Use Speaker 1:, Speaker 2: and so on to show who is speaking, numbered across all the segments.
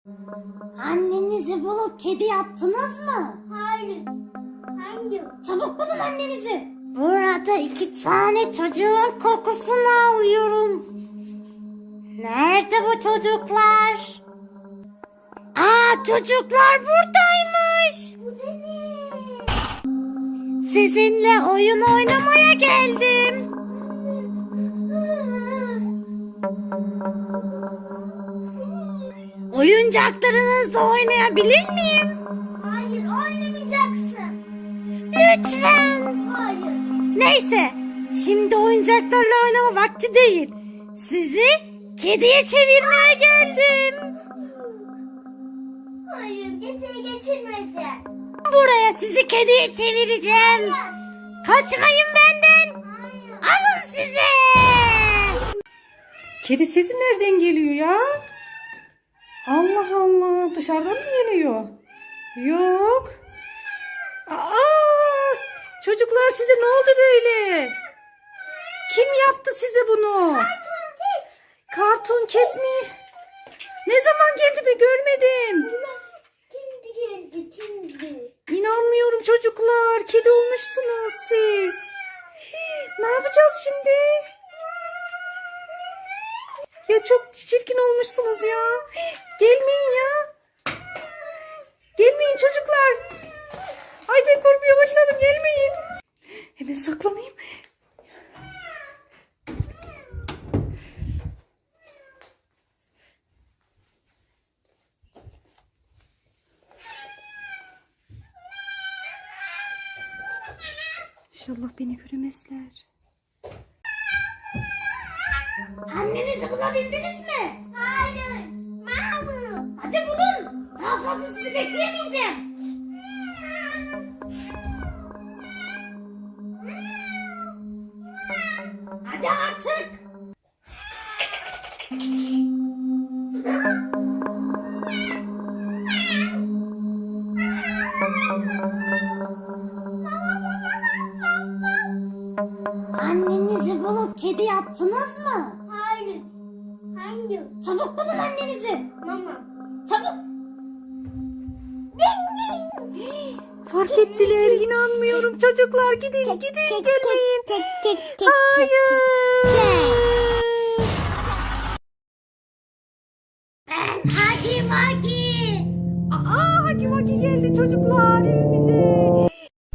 Speaker 1: Annenizi bulup kedi yaptınız mı?
Speaker 2: Hayır. Hangi?
Speaker 1: Çabuk bulun annenizi. Burada 2 tane çocuğun kokusunu alıyorum. Nerede bu çocuklar? Aa, çocuklar buradaymış.
Speaker 2: Bu benim.
Speaker 1: Sizinle oyun oynamaya geldim. Oyuncaklarınızla oynayabilir miyim?
Speaker 2: Hayır, oynamayacaksın.
Speaker 1: Lütfen.
Speaker 2: Hayır.
Speaker 1: Neyse, şimdi oyuncaklarla oynama vakti değil. Sizi kediye çevirmeye geldim.
Speaker 2: Hayır, geçirmedi.
Speaker 1: Buraya sizi kediye çevireceğim. Kaçmayın benden.
Speaker 2: Hayır.
Speaker 1: Alın size.
Speaker 3: Kedi sesi nereden geliyor ya? Allah Allah, dışarıdan mı geliyor? Yok. Aa, çocuklar size ne oldu böyle? Kim yaptı size bunu? Karton ket mi? Ne zaman geldi be, görmedim.
Speaker 2: Şimdi geldi.
Speaker 3: İnanmıyorum çocuklar. Kedi olmuşsunuz siz. Ne yapacağız şimdi? Ya çok çirkin olmuşsunuz ya. Gelmeyin ya. Gelmeyin çocuklar. Ay, ben korkmaya başladım. Gelmeyin. Hemen saklanayım. İnşallah beni göremezler.
Speaker 1: Annenizi bulabildiniz mi?
Speaker 2: Hayır. Mama.
Speaker 1: Hadi bulun. Daha fazla sizi bekleyemeyeceğim. Hadi artık. Annenizi bulup kedi yaptınız mı?
Speaker 2: Hayır. Hangi?
Speaker 1: Çabuk bulun annenizi.
Speaker 2: Mama.
Speaker 1: Çabuk.
Speaker 3: Fark ettiler. İnanmıyorum çocuklar. Gidin gelmeyin. Hayır.
Speaker 1: Ben Hagi Vagi.
Speaker 3: Aa, Hagi Vagi geldi çocuklar evimize.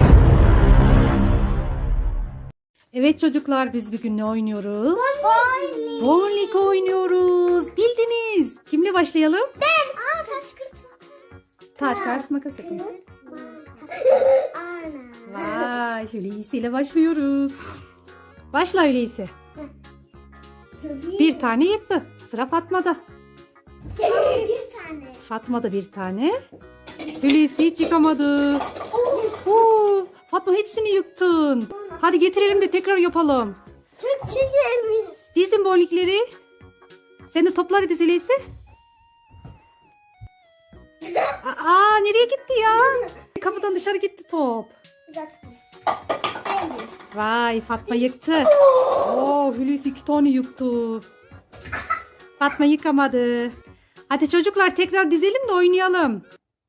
Speaker 3: Evet çocuklar, biz bugün ne oynuyoruz?
Speaker 2: Bowling.
Speaker 3: Bowling oynuyoruz. Bildiniz. Kimle başlayalım?
Speaker 2: Ben. Taş kırtma.
Speaker 3: Taş kağıt makas yapın.
Speaker 2: Ana.
Speaker 3: Vay, Hulusi ile başlıyoruz. Başla Hulusi. Bir tane yıktı. Sıra Fatma'da.
Speaker 2: Bir tane.
Speaker 3: Fatma'da bir tane. Hulusi hiç yıkamadı. Oo, Fatma hepsini yıktın. Hadi getirelim de tekrar yapalım.
Speaker 2: Çok güzelmiş.
Speaker 3: Dizin bowlingleri. Sen de topları diz Hulusi. Aa, nereye gitti ya? Kapıdan dışarı gitti top. Vay, Fatma yıktı. Oo, Hulusi 2 tane yıktı. Fatma yıkamadı. Hadi çocuklar tekrar dizelim de oynayalım.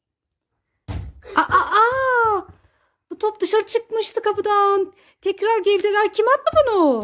Speaker 3: Aa, bu top dışarı çıkmıştı kapıdan. Tekrar geldi. Ay, kim attı bunu?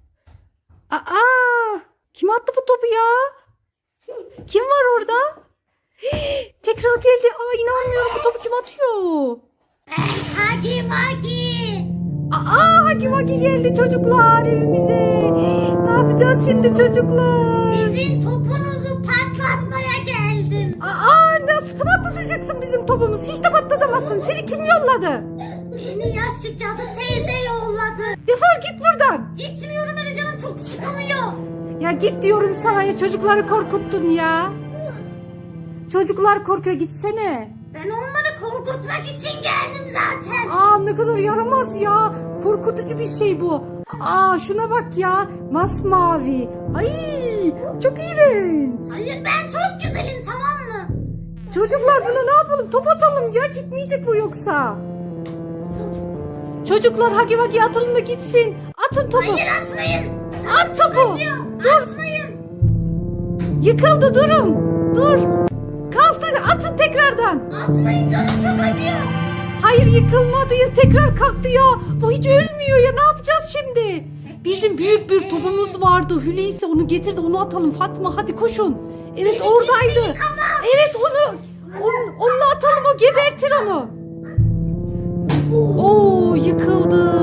Speaker 3: Kim attı bu topu ya? Kim var orada? Tekrar geldi. Aa, inanmıyorum, bu topu kim atıyor?
Speaker 1: Ben Hagi Vagi.
Speaker 3: Hagi Vagi geldi çocuklar evimize. Ne yapacağız şimdi çocuklar?
Speaker 1: Sizin topunuzu patlatmaya geldim.
Speaker 3: Nasıl patlatacaksın bizim topumuz? Hiç de patlatamazsın. Seni kim yolladı?
Speaker 1: Beni yaşlı cadı teyze yolladı.
Speaker 3: Defol git buradan.
Speaker 1: Gitmiyorum, öyle canım çok sıkılıyor.
Speaker 3: Ya git diyorum sana ya, çocukları korkuttun ya. Çocuklar korkuyor, gitsene.
Speaker 1: Ben onları korkutmak için geldim zaten.
Speaker 3: Ne kadar yaramaz ya. Korkutucu bir şey bu. Şuna bak ya. Masmavi. Ay, çok iğrenç.
Speaker 1: Hayır, ben çok güzelim, tamam mı?
Speaker 3: Çocuklar, buna ne yapalım? Top atalım ya. Gitmeyecek bu yoksa. Çocuklar, Hagi Vagi atalım da gitsin. Atın topu.
Speaker 1: Hayır, atmayın.
Speaker 3: At topu.
Speaker 1: Dur. Atmayın.
Speaker 3: Yıkıldı, durun. Dur. Kalk. atın tekrardan.
Speaker 1: Atmayın, canım çok acıyor.
Speaker 3: Hayır, yıkılmadı ya, tekrar kalktı ya. Bu hiç ölmüyor ya, ne yapacağız şimdi? Bizim büyük bir topumuz vardı. Hulusi onu getirdi, onu atalım. Fatma hadi koşun. Evet, oradaydı. Evet, onunla atalım, o gebertir onu. Oo, yıkıldı.